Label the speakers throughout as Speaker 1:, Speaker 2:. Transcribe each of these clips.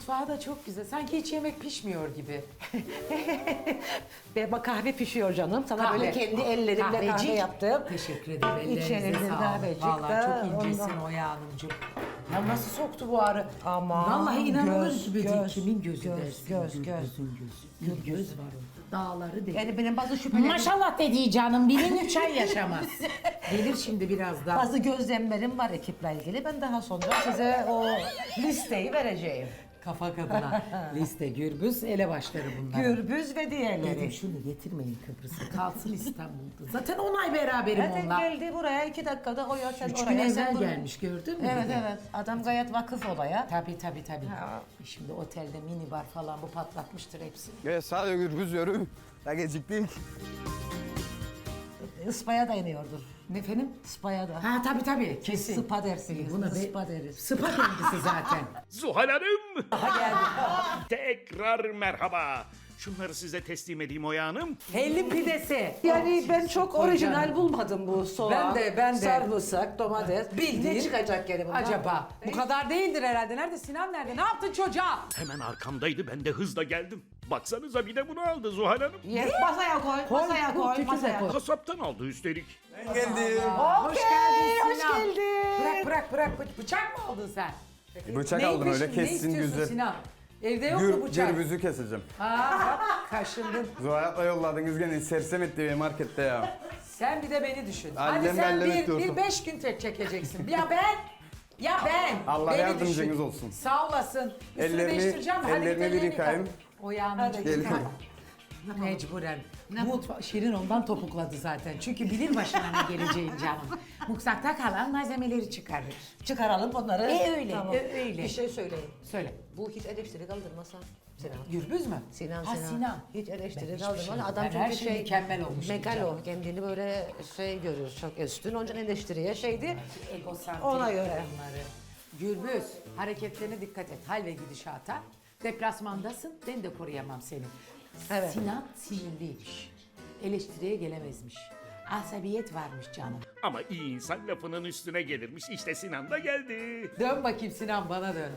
Speaker 1: Mutfağı da çok güzel. Sanki hiç yemek pişmiyor gibi.
Speaker 2: Ve bak kahve pişiyor canım. Sana
Speaker 1: Kahve.
Speaker 2: böyle kendi ellerimle
Speaker 1: Kahvecik.
Speaker 2: kahve yaptım.
Speaker 1: Teşekkür ederim.
Speaker 2: İçeride
Speaker 1: Ellerinize sağlık.
Speaker 2: kahvecik
Speaker 1: Vallahi
Speaker 2: de
Speaker 1: çok incesin
Speaker 2: ondan.
Speaker 1: Oya Hanımcığım. Ya nasıl soktu bu arı?
Speaker 2: Aman,
Speaker 1: Vallahi inanılır
Speaker 2: göz,
Speaker 1: gibi değil.
Speaker 2: göz,
Speaker 1: Kimin gözü
Speaker 2: göz,
Speaker 1: dersin?
Speaker 2: göz,
Speaker 1: Gözün gözü. Bir göz var orada. Dağları değil.
Speaker 2: Yani benim bazı şüphelerim,
Speaker 1: Maşallah dediği canım. Birin 3 ay yaşamaz. Gelir şimdi birazdan.
Speaker 2: bazı gözlemlerim var ekiple ilgili. Ben daha sonra size o listeyi vereceğim.
Speaker 1: Kafa kadına. Liste, gürbüz, elebaşları bunlar.
Speaker 2: Gürbüz ve diğerleri.
Speaker 1: Dedim şunu getirmeyin Kıbrıs'a. Kalsın İstanbul'da. Zaten 10 ay beraberim
Speaker 2: Zaten
Speaker 1: onunla.
Speaker 2: geldi buraya 2 dakikada o ya sen
Speaker 1: 3
Speaker 2: oraya
Speaker 1: gün
Speaker 2: sen
Speaker 1: evvel
Speaker 2: buraya.
Speaker 1: gelmiş gördün mü?
Speaker 2: Evet
Speaker 1: bir de?
Speaker 2: evet adam gayet vakıf olaya.
Speaker 1: Tabii.
Speaker 2: Ha.
Speaker 1: Şimdi otelde mini bar falan bu patlatmıştır hepsini.
Speaker 3: Evet sadece gürbüz yürü. Ya geciktik.
Speaker 2: Ispaya dayanıyordur.
Speaker 1: Ne efendim?
Speaker 2: Ispaya da.
Speaker 1: Ha tabii kesin.
Speaker 2: Sıpa dersiniz.
Speaker 1: Buna
Speaker 2: Sıpa deriz.
Speaker 1: Sıpa kendisi zaten.
Speaker 4: Zuhal Hanım!
Speaker 1: Aha geldi.
Speaker 4: Tekrar merhaba. Şunları size teslim edeyim Oya Hanım.
Speaker 1: Hellim pidesi.
Speaker 2: Yani ben çok
Speaker 1: Koy
Speaker 2: orijinal
Speaker 1: canım.
Speaker 2: bulmadım bu soğan.
Speaker 1: Ben de.
Speaker 2: Sarımsak, domates.
Speaker 1: Bildiğin.
Speaker 2: Ne çıkacak gene bundan?
Speaker 1: Acaba? Bu kadar değildir herhalde. Nerede Sinan nerede? Ne yaptın çocuğa?
Speaker 4: Hemen arkamdaydı ben de hızla geldim. Baksanıza bir de bunu aldı Zuhal Hanım.
Speaker 2: Yes, masaya koy, masaya koy,
Speaker 1: tütüze
Speaker 2: masaya
Speaker 1: koy.
Speaker 2: koy.
Speaker 4: Kasaptan aldı üstelik.
Speaker 3: Ben geldim.
Speaker 1: Hoş geldin
Speaker 2: hoş
Speaker 1: Sinan.
Speaker 2: geldin.
Speaker 1: Bırak. Bıçak mı aldın sen?
Speaker 3: Bıçak aldım
Speaker 1: Neymiş,
Speaker 3: öyle
Speaker 1: ne
Speaker 3: kessin
Speaker 1: istiyorsun
Speaker 3: güzel.
Speaker 1: Sinan? Evde yok mu bıçak?
Speaker 3: Gürbüzü keseceğim.
Speaker 1: Aa bak kaşındın.
Speaker 3: Zuhayat'la yolladınız gene sersem etti beni markette ya.
Speaker 1: Sen bir de beni düşün.
Speaker 3: Annem
Speaker 1: Hadi sen
Speaker 3: bellem
Speaker 1: bir
Speaker 3: ediyorsun.
Speaker 1: 5 gün tek çekeceksin. Ya ben.
Speaker 3: Allah
Speaker 1: Beni
Speaker 3: yardımcınız
Speaker 1: düşün.
Speaker 3: olsun.
Speaker 1: Sağ olasın. Üstünü
Speaker 3: Ellerini-
Speaker 1: değiştireceğim. Hadi
Speaker 3: ellerini
Speaker 1: git
Speaker 3: bir
Speaker 1: ellerini
Speaker 3: yıkayayım.
Speaker 1: yıka. O yağını
Speaker 3: Gelin.
Speaker 1: Mecburen. Şirin ondan topukladı zaten. Çünkü bilir başına ne geleceğin canım. Mutfakta kalan malzemeleri çıkarır.
Speaker 2: Çıkaralım onları.
Speaker 1: Öyle.
Speaker 2: Bir şey söyleyeyim.
Speaker 1: Söyle.
Speaker 2: Bu hiç eleştiri kaldırmasa Sinan.
Speaker 1: Gürbüz mü?
Speaker 2: Sinan,
Speaker 1: Ha,
Speaker 2: Sinan.
Speaker 1: Sinan.
Speaker 2: Hiç
Speaker 1: Ben
Speaker 2: eleştiri
Speaker 1: hiçbir
Speaker 2: kaldırmaz.
Speaker 1: şey-
Speaker 2: Adam
Speaker 1: ben
Speaker 2: çünkü
Speaker 1: her şey mükemmel olmuş
Speaker 2: Mekal
Speaker 1: diyeceğim.
Speaker 2: o. Kendini böyle görür, çok üstün. Onun için eleştiriye şeydi.
Speaker 1: Egosantrik
Speaker 2: Ona göre.
Speaker 1: onları. Gürbüz, hareketlerine dikkat et. Hal ve gidişata. Deplasmandasın, ben de koruyamam seni.
Speaker 2: Evet.
Speaker 1: Sinan sinirliymiş. Eleştiriye gelemezmiş. Asabiyet varmış canım.
Speaker 4: Ama iyi insan lafının üstüne gelirmiş. İşte Sinan da geldi.
Speaker 1: Dön bakayım Sinan bana dön.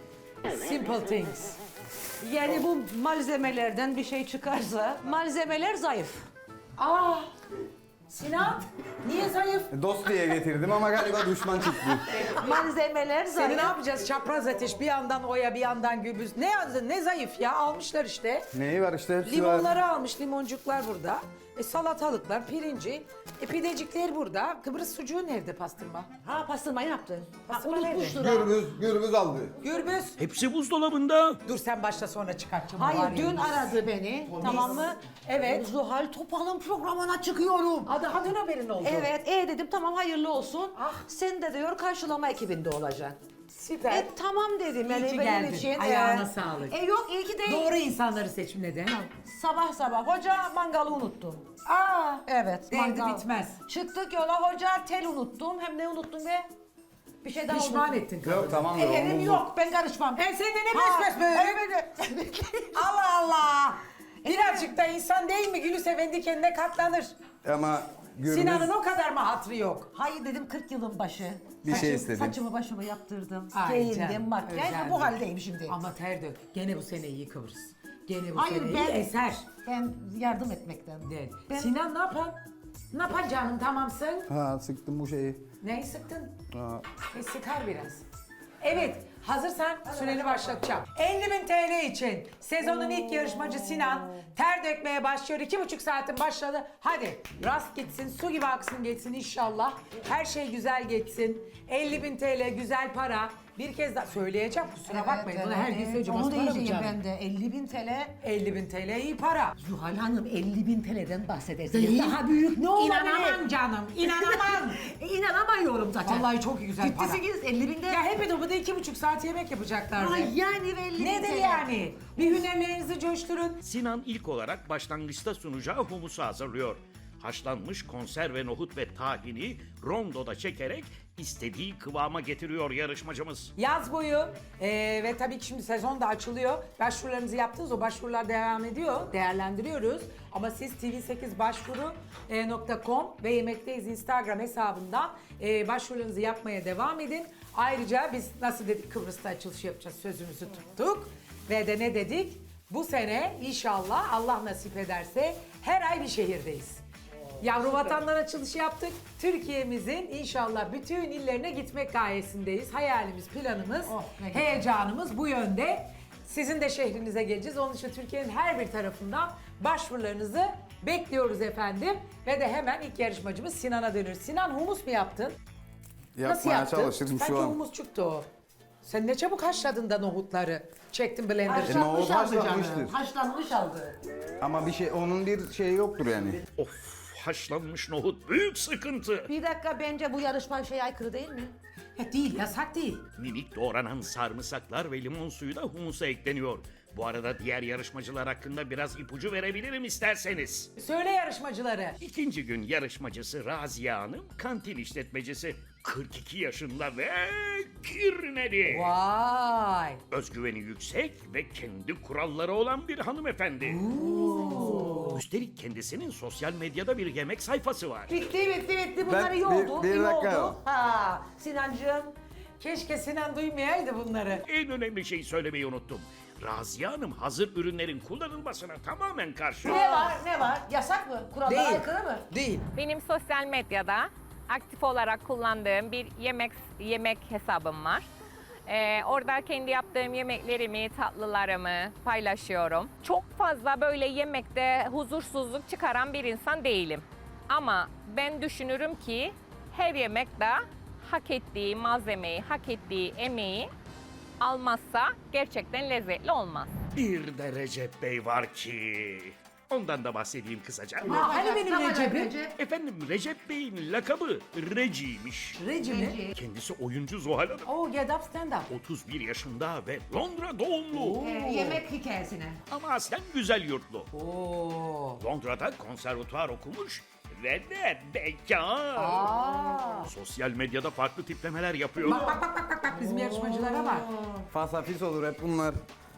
Speaker 1: Simple things.
Speaker 2: Yani bu malzemelerden bir şey çıkarsa malzemeler zayıf.
Speaker 1: Aa! Sinan, niye zayıf?
Speaker 3: Dost diye getirdim ama galiba düşman çıktı.
Speaker 2: Malzemeler
Speaker 1: Seni
Speaker 2: zayıf.
Speaker 1: ne yapacağız? Çapraz ateş bir yandan Oya bir yandan Gürbüz. Ne zayıf ya almışlar işte.
Speaker 3: Neyi var işte hepsi var.
Speaker 1: Limonları almış, limoncuklar burada. Salatalıklar, pirinci, pidecikler burada. Kıbrıs sucuğu nerede pastırma?
Speaker 2: Ha pastırma yaptın.
Speaker 1: Pastırma
Speaker 2: Unutmuştur.
Speaker 3: Gürbüz aldı.
Speaker 1: Gürbüz.
Speaker 4: Hepsi buzdolabında.
Speaker 1: Dur sen başla sonra çıkartacağım. o var
Speaker 2: Hayır dün
Speaker 1: ya.
Speaker 2: aradı beni. Tamam mı?
Speaker 1: Evet.
Speaker 2: Zuhal Topal'ın programına çıkıyorum.
Speaker 1: Daha dün haberin oldu.
Speaker 2: Evet, dedim tamam hayırlı olsun.
Speaker 1: Ah.
Speaker 2: Sen de diyor karşılama ekibinde olacaksın.
Speaker 1: Süper.
Speaker 2: Tamam dedim yani
Speaker 1: İyi ki
Speaker 2: benim
Speaker 1: geldin.
Speaker 2: için.
Speaker 1: Ayağına sağlık.
Speaker 2: Yok iyi ki değil.
Speaker 1: Doğru insanları seçim neden?
Speaker 2: Sabah hoca mangalı unuttum.
Speaker 1: Aa.
Speaker 2: Evet.
Speaker 1: Derdi bitmez.
Speaker 2: Çıktık yola hoca tel unuttum. Hem ne unuttum be? Bir şey daha
Speaker 1: Pişman
Speaker 2: unuttum.
Speaker 1: ettin.
Speaker 3: Yok tamam da
Speaker 2: Elim
Speaker 3: omuzlu.
Speaker 2: yok ben karışmam.
Speaker 1: Sen de ne pes böyle? Allah Allah. Birazcık da insan değil mi? Gülü sevendi kendine katlanır.
Speaker 3: Ama gürbüz
Speaker 1: Sinan'ın o kadar mı hatrı yok?
Speaker 2: Hayır dedim 40 yılın başı.
Speaker 3: Bir şey istedim.
Speaker 2: Saçımı başımı yaptırdım.
Speaker 1: Ay
Speaker 2: Giyindim
Speaker 1: canım,
Speaker 2: makyaj
Speaker 1: özendim.
Speaker 2: bu haldeyim şimdi.
Speaker 1: Ama ter dök. Gene bu sene iyi Kıbrıs. Gene bu
Speaker 2: Hayır,
Speaker 1: sene
Speaker 2: ben-
Speaker 1: iyi eser.
Speaker 2: Ben yardım etmekten.
Speaker 1: De.
Speaker 2: Ben-
Speaker 1: Sinan ne yapan? Ne yapan canım tamamsın?
Speaker 3: Ha sıktım bu şeyi.
Speaker 1: Neyi sıktın?
Speaker 3: Ha.
Speaker 1: Sıkar biraz. Evet, hazırsan süreni başlatacağım. 50.000 TL için sezonun ilk yarışmacı Sinan ter dökmeye başlıyor. 2,5 saatin başladı. Hadi rast gitsin, su gibi aksın geçsin inşallah. Her şey güzel geçsin. 50.000 TL güzel para. Bir kez daha söyleyeceğim kusura bakmayın. Bunu her gün söyleyeceğim.
Speaker 2: Onu
Speaker 1: Az para mı
Speaker 2: diyeceğim
Speaker 1: canım?
Speaker 2: ben de 50.000 TL.
Speaker 1: 50.000 TL iyi para.
Speaker 2: Zuhal Hanım 50.000 TL'den bahsedersiniz.
Speaker 1: Değil.
Speaker 2: Daha büyük ne olabilir?
Speaker 1: İnanamam canım, inanamam.
Speaker 2: İnanamıyorum zaten.
Speaker 1: Vallahi çok güzel para.
Speaker 2: Ciddi 50.000'de.
Speaker 1: Ya hep de 2,5 saat yemek yapacaklardı.
Speaker 2: Ay yani ve 50.000
Speaker 1: Nedir
Speaker 2: TL.
Speaker 1: yani? Bir hünerlerinizi coşturun.
Speaker 4: Sinan ilk olarak başlangıçta sunacağı humusu hazırlıyor. Haşlanmış konserve nohut ve tahini rondoda çekerek istediği kıvama getiriyor yarışmacımız.
Speaker 1: Yaz boyu ve tabii ki şimdi sezon da açılıyor. Başvurularınızı yaptınız. O başvurular devam ediyor. Değerlendiriyoruz. Ama siz tv8başvuru.com ve Yemekteyiz Instagram hesabından başvurularınızı yapmaya devam edin. Ayrıca biz nasıl dedik Kıbrıs'ta açılış yapacağız sözümüzü tuttuk. Ve de ne dedik? Bu sene inşallah Allah nasip ederse her ay bir şehirdeyiz. Yavru vatanlar açılışı yaptık. Türkiye'mizin inşallah bütün illerine gitmek gayesindeyiz. Hayalimiz, planımız,
Speaker 2: ne güzel.
Speaker 1: heyecanımız bu yönde. Sizin de şehrinize geleceğiz. Onun için Türkiye'nin her bir tarafından başvurularınızı bekliyoruz efendim. Ve de hemen ilk yarışmacımız Sinan'a dönüyoruz. Sinan, humus mu yaptın? Nasıl
Speaker 3: Yapmaya
Speaker 1: yaptın?
Speaker 3: çalışırım
Speaker 1: Sanki
Speaker 3: şu an.
Speaker 1: humus çıktı o. Sen ne çabuk haşladın da nohutları. Çektin blender'ı.
Speaker 2: Haşlanmış
Speaker 3: nohut
Speaker 2: aldı
Speaker 3: haşlanmıştır.
Speaker 2: canım. Haşlanmış aldı.
Speaker 3: Ama onun bir şeyi yoktur yani.
Speaker 4: Of, haşlanmış nohut büyük sıkıntı.
Speaker 2: Bir dakika, bence bu yarışma aykırı değil mi?
Speaker 1: Değil, yasak değil.
Speaker 4: Minik doğranan sarımsaklar ve limon suyu da humusa ekleniyor. Bu arada diğer yarışmacılar hakkında biraz ipucu verebilirim isterseniz.
Speaker 1: Söyle yarışmacıları.
Speaker 4: İkinci gün yarışmacısı Raziye Hanım kantin işletmecisi. 42 yaşında ve kirneli.
Speaker 1: Vay.
Speaker 4: Özgüveni yüksek ve kendi kuralları olan bir hanımefendi. Üstelik kendisinin sosyal medyada bir yemek sayfası var.
Speaker 2: Bitti. Bunlar iyi
Speaker 3: bir
Speaker 2: oldu. iyi
Speaker 3: dakika.
Speaker 2: oldu. Ha, Sinancığım.
Speaker 1: Keşke Sinan duymayaydı bunları.
Speaker 4: En önemli şeyi söylemeyi unuttum. Raziye Hanım hazır ürünlerin kullanılmasına tamamen karşı.
Speaker 2: Ne var? Yasak mı? Kurallara aykırı mı?
Speaker 1: Değil.
Speaker 5: Benim sosyal medyada aktif olarak kullandığım bir yemek hesabım var. Orada kendi yaptığım yemeklerimi, tatlılarımı paylaşıyorum. Çok fazla böyle yemekte huzursuzluk çıkaran bir insan değilim. Ama ben düşünürüm ki her yemekte hak ettiği malzemeyi, hak ettiği emeği almazsa gerçekten lezzetli olmaz.
Speaker 4: Bir de Recep Bey var ki... Ondan da bahsedeyim kısaca.
Speaker 1: Hani benim Recep'im?
Speaker 4: Efendim Recep Bey'in lakabı Reci'ymiş.
Speaker 1: Reci mi?
Speaker 4: Kendisi oyuncu Zuhal Hanım.
Speaker 1: Oh, get up, stand up.
Speaker 4: 31 yaşında ve Londra doğumlu.
Speaker 2: Yemek hikayesine.
Speaker 4: Ama aslen güzel yurtlu.
Speaker 1: Oo.
Speaker 4: Londra'da konservatuvar okumuş ve de bekar. Sosyal medyada farklı tiplemeler yapıyor.
Speaker 1: Bak bizim yarışmacılara bak.
Speaker 3: Fasafis olur hep bunlar.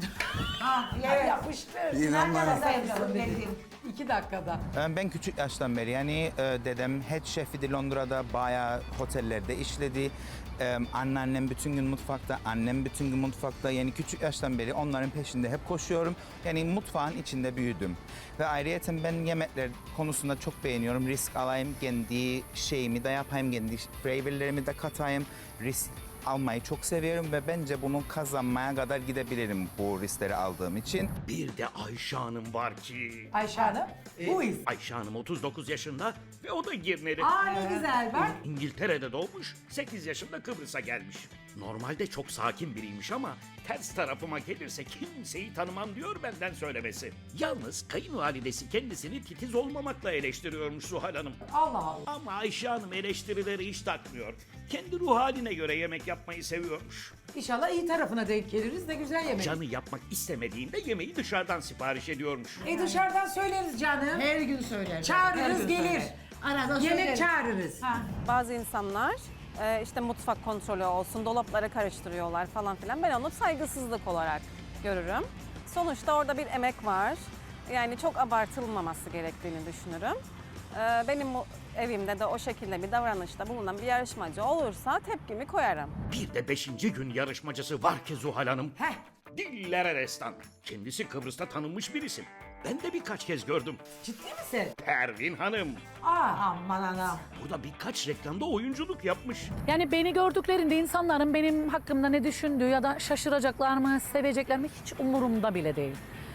Speaker 1: Yapıştır.
Speaker 3: İnanmayın.
Speaker 2: Sevdim.
Speaker 1: 2 dakikada.
Speaker 6: Ben küçük yaştan beri yani dedem head şefiydi Londra'da, bayağı otellerde işledi. Anneannem bütün gün mutfakta, annem bütün gün mutfakta. Yani küçük yaştan beri onların peşinde hep koşuyorum. Yani mutfağın içinde büyüdüm. Ve ayrıyeten ben yemekler konusunda çok beğeniyorum. Risk alayım, kendi şeyimi de yapayım, kendi flavorlarımı da katayım. Risk almayı çok seviyorum ve bence bunu kazanmaya kadar gidebilirim bu riskleri aldığım için.
Speaker 4: Bir de Ayşe Hanım var ki...
Speaker 1: Ayşe Hanım. Who is?
Speaker 4: Ayşe Hanım 39 yaşında ve o da Girneli.
Speaker 1: Aa, ne güzel bak.
Speaker 4: İngiltere'de doğmuş, 8 yaşında Kıbrıs'a gelmiş. Normalde çok sakin biriymiş ama ters tarafıma gelirse kimseyi tanımam diyor benden söylemesi. Yalnız kayınvalidesi kendisini titiz olmamakla eleştiriyormuş Zuhal Hanım.
Speaker 1: Allah Allah.
Speaker 4: Ama Ayşe Hanım eleştirileri hiç takmıyor. Kendi ruh haline göre yemek yapmayı seviyormuş.
Speaker 1: İnşallah iyi tarafına denk geliriz de güzel yemek.
Speaker 4: Canı yapmak istemediğinde yemeği dışarıdan sipariş ediyormuş.
Speaker 1: Dışarıdan söyleriz canım.
Speaker 2: Her gün söyler. Her
Speaker 1: Çağırırız
Speaker 2: gün
Speaker 1: gelir.
Speaker 2: söyler. Arada
Speaker 1: Yemek
Speaker 2: söyleriz.
Speaker 1: çağırırız.
Speaker 7: Bazı insanlar işte mutfak kontrolü olsun, dolapları karıştırıyorlar falan filan. Ben onu saygısızlık olarak görürüm. Sonuçta orada bir emek var. Yani çok abartılmaması gerektiğini düşünürüm. Benim evimde de o şekilde bir davranışta bulunan bir yarışmacı olursa tepkimi koyarım.
Speaker 4: Bir de 5. gün yarışmacısı var ki Zuhal Hanım.
Speaker 1: Heh.
Speaker 4: Dillere destan. Kendisi Kıbrıs'ta tanınmış bir isim. Ben de birkaç kez gördüm.
Speaker 1: Ciddi misin?
Speaker 4: Pervin Hanım.
Speaker 2: Aman anam.
Speaker 4: Burada birkaç reklamda oyunculuk yapmış.
Speaker 8: Yani beni gördüklerinde insanların benim hakkımda ne düşündüğü ya da şaşıracaklar mı, sevecekler mi hiç umurumda bile değil.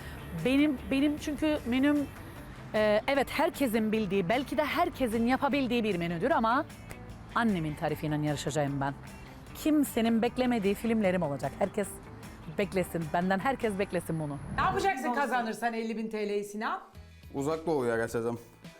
Speaker 8: Benim çünkü menüm evet herkesin bildiği, belki de herkesin yapabildiği bir menüdür ama annemin tarifiyle yarışacağım ben. Kimsenin beklemediği filmlerim olacak. Herkes beklesin, benden herkes beklesin bunu.
Speaker 1: Ne yapacaksın kazanırsan 50.000 TL'yi Sinan?
Speaker 3: Uzak doğuya kaçacağım.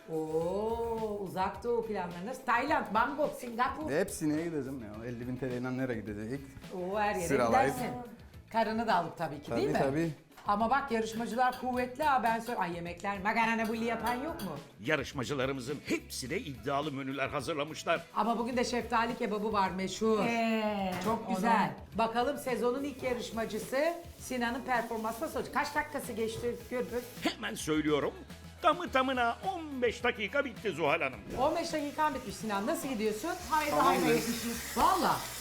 Speaker 1: Oo, uzak doğu planlarınız. Tayland, Bangkok, Singapur.
Speaker 3: Hepsine gideceğim ya. 50.000 TL'yle nereye gidecek?
Speaker 1: Oo, her yere
Speaker 3: Sıralayıp.
Speaker 1: gidersin. Karını da alıp tabii ki değil mi?
Speaker 3: Tabii.
Speaker 1: Ama bak yarışmacılar kuvvetli ha, ben söyleyeyim. Ay yemekler, makarna bulli yapan yok mu?
Speaker 4: Yarışmacılarımızın hepsi de iddialı menüler hazırlamışlar.
Speaker 1: Ama bugün de şeftali kebabı var meşhur. Çok güzel. Bakalım sezonun ilk yarışmacısı Sinan'ın performansı nasıl olacak? Kaç dakikası geçti Gürbüz?
Speaker 4: Hemen söylüyorum. Tamı tamına 15 dakika bitti Zuhal Hanım.
Speaker 1: 15 dakikan bitmiş Sinan. Nasıl gidiyorsun?
Speaker 2: Haydi yetişmiş.
Speaker 1: Valla.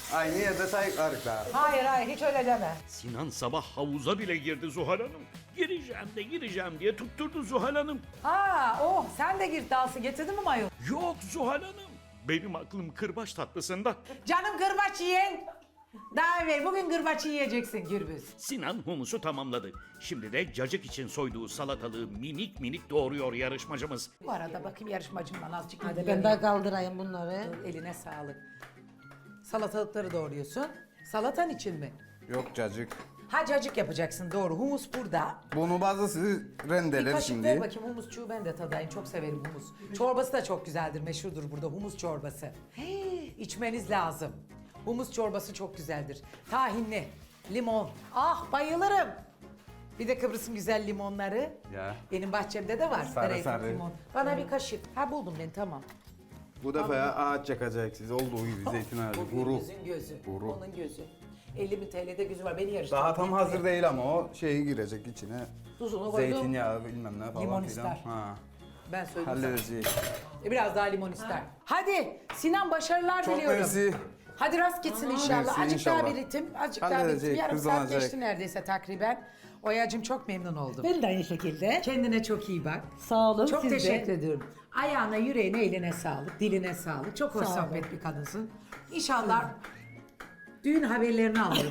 Speaker 3: Aynı yerde sayıklarız daha.
Speaker 1: Hayır hayır hiç öyle deme.
Speaker 4: Sinan sabah havuza bile girdi Zuhal Hanım. Gireceğim diye tutturdu Zuhal Hanım.
Speaker 1: Ha oh sen de gir dansı getirdin mi mayo?
Speaker 4: Yok Zuhal Hanım. Benim aklım kırbaç tatlısında.
Speaker 1: Canım kırbaç yiyen. Daha evvel bugün kırbaç yiyeceksin Gürbüz.
Speaker 4: Sinan humusu tamamladı. Şimdi de cacık için soyduğu salatalığı minik minik doğruyor yarışmacımız.
Speaker 1: Bu arada bakayım yarışmacımdan azıcık
Speaker 2: Hadi
Speaker 1: ilgileneyim.
Speaker 2: ben de kaldırayım bunları.
Speaker 1: Eline sağlık. Salatalıkları doğruyorsun. Salatan için mi?
Speaker 3: Yok cacık.
Speaker 1: Ha cacık yapacaksın doğru. Humus burada.
Speaker 3: Bunu bazısı
Speaker 1: Bir
Speaker 3: rendeler
Speaker 1: kaşık ver
Speaker 3: şimdi.
Speaker 1: bakayım humusçuğu ben de tadayım. Çok severim humus. Çorbası da çok güzeldir. Meşhurdur burada humus çorbası. Hey, içmeniz lazım. Humus çorbası çok güzeldir. Tahinli, limon. Ah bayılırım. Bir de Kıbrıs'ın güzel limonları.
Speaker 3: Ya.
Speaker 1: Benim bahçemde de var.
Speaker 3: Sarı
Speaker 1: Greyfurt
Speaker 3: sarı.
Speaker 1: limon. Bana bir kaşık. Ha buldum ben tamam.
Speaker 3: Bu defa ya ağaç yakacaksınız. Olduğu gibi zeytin ağacı.
Speaker 1: Bu
Speaker 3: Kuru.
Speaker 1: Gürbüz'ün gözü.
Speaker 3: Kuru.
Speaker 1: Onun gözü. 50.000 TL'de gözü var. Beni yarıştırdı.
Speaker 3: Daha tam hazır değil ama o şeyi girecek içine.
Speaker 1: Tuzunu koydum.
Speaker 3: Zeytinyağı bilmem ne falan
Speaker 1: Limon
Speaker 3: filan.
Speaker 1: ister.
Speaker 3: Ha.
Speaker 1: Ben söyledim sana.
Speaker 3: Halledeceğiz.
Speaker 1: Biraz daha limon ister. Hadi Sinan başarılar
Speaker 3: Çok
Speaker 1: diliyorum.
Speaker 3: mersi.
Speaker 1: Hadi rast gitsin inşallah.
Speaker 3: Mersi,
Speaker 1: Azıcık daha
Speaker 3: inşallah.
Speaker 1: bir ritim, azıcık daha bir ritim.
Speaker 3: Halledecek,
Speaker 1: Yarım saat
Speaker 3: hızlanacak.
Speaker 1: geçti neredeyse takriben. Oya'cığım çok memnun oldum.
Speaker 2: Ben de aynı şekilde.
Speaker 1: Kendine çok iyi bak.
Speaker 2: Sağ olun
Speaker 1: Çok
Speaker 2: siz de.
Speaker 1: teşekkür ediyorum. Ayağına, yüreğine, eline sağlık, diline sağlık. Çok hoş
Speaker 2: Sağ olun.
Speaker 1: sohbet bir kadınsın. İnşallah düğün haberlerini alırım.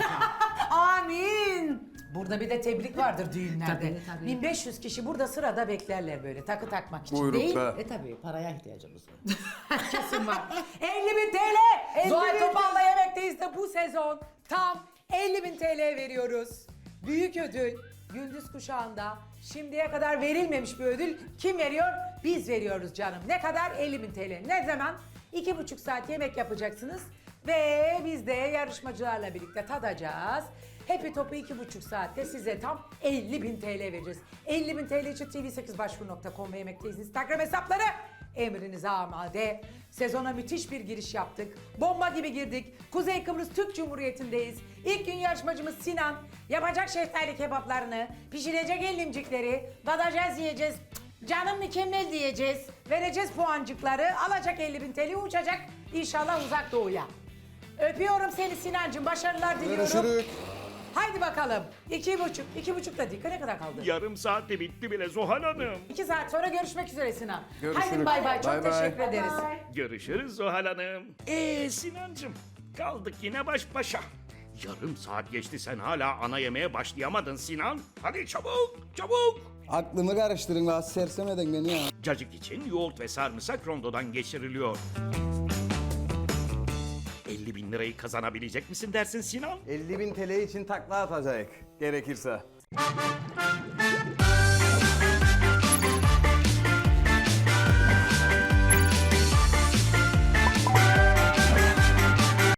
Speaker 1: Amin. Burada bir de tebrik vardır düğünlerde.
Speaker 2: Tabii, tabii.
Speaker 1: 1500 kişi burada sırada beklerler böyle takı takmak için değil.
Speaker 3: Buyrukta.
Speaker 2: Tabii paraya ihtiyacımız var.
Speaker 1: Kesin var. 50.000 TL. Zuhal Topal'la Yemekteyiz de bu sezon tam 50.000 TL veriyoruz. Büyük ödül Gündüz Kuşağı'nda şimdiye kadar verilmemiş bir ödül. Kim veriyor? Biz veriyoruz canım. Ne kadar? 50.000 TL. Ne zaman? 2,5 saat yemek yapacaksınız ve biz de yarışmacılarla birlikte tadacağız. Happy Top'u 2,5 saatte size tam 50.000 TL vereceğiz. 50.000 TL için tv8başvuru.com ve Yemekteyiz Instagram hesapları emrinize amade. Sezona müthiş bir giriş yaptık. Bomba gibi girdik. Kuzey Kıbrıs Türk Cumhuriyeti'ndeyiz. İlk gün yarışmacımız Sinan yapacak şeftali kebaplarını, pişirecek ellimcikleri, tadacağız yiyeceğiz. Canım mükemmel diyeceğiz. Vereceğiz puancıkları, alacak 50.000 TL uçacak inşallah uzak doğuya. Öpüyorum seni Sinancığım, başarılar diliyorum.
Speaker 3: Görüşürüz.
Speaker 1: Haydi bakalım. 2,5 dakika ne kadar kaldı?
Speaker 4: Yarım saatte bitti bile Zuhal Hanım.
Speaker 1: 2 saat sonra görüşmek üzere Sinan.
Speaker 3: Görüşürüz.
Speaker 1: Haydi bay bay, çok
Speaker 3: Bay bay.
Speaker 1: teşekkür ederiz.
Speaker 4: Görüşürüz Zuhal Hanım. Sinancım kaldık yine baş başa. Yarım saat geçti sen hala ana yemeğe başlayamadın Sinan. Hadi çabuk çabuk.
Speaker 3: Aklımı karıştırın la sersemeden beni ya.
Speaker 4: Cacık için yoğurt ve sarımsak rondodan geçiriliyor. 50.000 lirayı kazanabilecek misin dersin Sinan?
Speaker 3: 50.000 TL için takla atacak gerekirse.